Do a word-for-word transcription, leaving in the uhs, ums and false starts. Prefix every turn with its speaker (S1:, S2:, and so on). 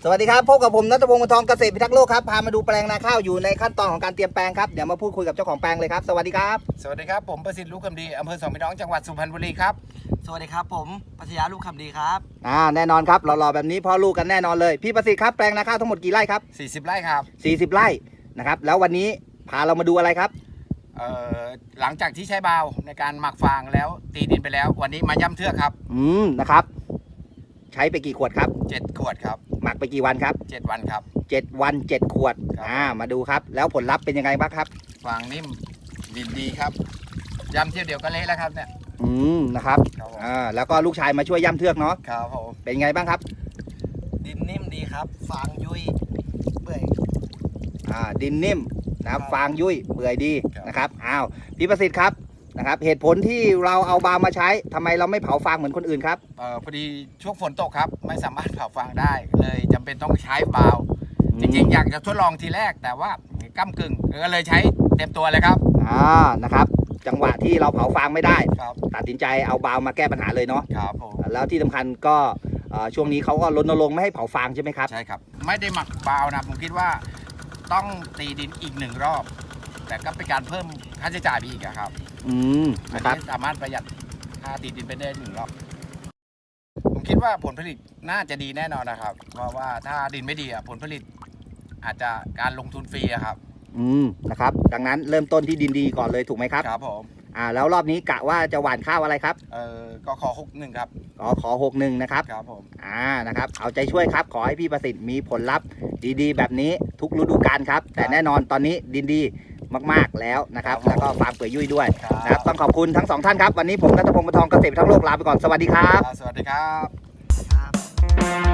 S1: สวัสดีครับพบกับผมณัฐพงศ์ วงศ์ทองเกษตรพิทักษ์โลกครับพามาดูแปลงนาข้าวอยู่ในขั้นตอนของการเตรียมแปลงครับเดี๋ยวมาพูดคุยกับเจ้าของแปลงเลยครับสวัสดีครับ
S2: สวัสดีครับผมประสิทธิ์ลูกคำดีอำเภอสองพี่น้องจังหวัดสุพรรณบุรีครับ
S3: สวัสดีครับผมปัชญาลูกคำดีครับ
S1: อ่าแน่นอนครับหล่อๆแบบนี้พ่อลูกกันแน่นอนเลยพี่ประสิทธิ์ครับแปลงนาข้าวทั้งหมดกี่ไร่ครับ
S2: สี่สิบไร่ครับ
S1: สี่สิบไร่นะครับแล้ววันนี้พาเรามาดูอะไรครับ
S2: เอ่อหลังจากที่ใช้บาวในการหมักฟางแล้วตีดินไปแล้ววันนี้มาย่ำเทือกครับ
S1: อืมนะครับใช้ไปกี่ขวดครับ
S2: เจ็ดขวดครับ
S1: หมักไปกี่วันครับ
S2: เจ็ดวันครับ
S1: เจ็ดวันเจ็ดขวดอ่ามาดูครับแล้วผลลัพธ์เป็นยังไงบ้างครับ
S2: ฟางนิ่มดินดีครับย่ำเที่ยวเดียวก็เละแล้วครับเนี่ย
S1: อืมนะครับอ่าแล้วก็ลูกชายมาช่วยย่ำเทือกเนาะ
S2: ครับผม
S1: เป็นไงบ้างครับ
S3: ดินนิ่มดีครับฟางยุ่ยเปื่อย
S1: อ่าดินนิ่มนะครับฟางยุ่ยเปื่อยดีนะครับอ้าวพี่ประสิทธิ์ครับนะครับเหตุผลที่เราเอาบาวมาใช้ทำไมเราไม่เผาฟางเหมือนคนอื่นครับ
S2: เอ่อพอดีช่วงฝนตกครับไม่สามารถเผาฟางได้เลยจำเป็นต้องใช้บาวจริงๆอยากจะทดลองทีแรกแต่ว่าก้ำกึ่งก็เลยใช้เต็มตัวเลยครับ
S1: อ่านะครับจังหวะที่เราเผาฟางไม่ได้ตัดสินใจเอาบาวมาแก้ปัญหาเลยเนาะ
S2: ครับผม
S1: แล้วที่สำคัญก็ช่วงนี้เขาก็รณรงค์ไม่ให้เผาฟางใช่ไหมครับ
S2: ใช่ครับไม่ได้หมักบาวนะผมคิดว่าต้องตีดินอีกหนึ่งรอบแต่ก็เป็นการเพิ่มค่าใช้จ่ายไปอีกครับ
S1: อืมนะครับ
S2: สามารถประหยัดค่าตีดินไปได้หนึ่งรอบผมคิดว่าผลผลิตน่าจะดีแน่นอนนะครับเพราะว่าถ้าดินไม่ดีผลผลิตอาจจะการลงทุนฟรีครับ
S1: อืมนะครับดังนั้นเริ่มต้นที่ดินดีก่อนเลยถูกไหมครับ
S2: ครับผม
S1: อ่าแล้วรอบนี้กะว่าจะหว่านข้าวอะไรครับ
S2: เออก็ขอหกหนึ่งครับ
S1: อ๋อขอหกหนึ่งนะครับ
S2: ครับผม
S1: อ่านะครับเอาใจช่วยครับขอให้พี่ประสิทธิ์มีผลลัพธ์ดีๆแบบนี้ทุกฤดูกาลครับแต่แน่นอนตอนนี้ดินดีมากๆแล้วนะครับแล้วก็ฟาร์มเปื่อยยุ่ยด้วยนะครับต้องขอบคุณทั้งสองท่านครับวันนี้ผมณัฐพงศ์ วงศ์ทองเกษตรพิทักษ์โลกลาไปก่อนสวัสดีครับ
S2: สวัสดีครับ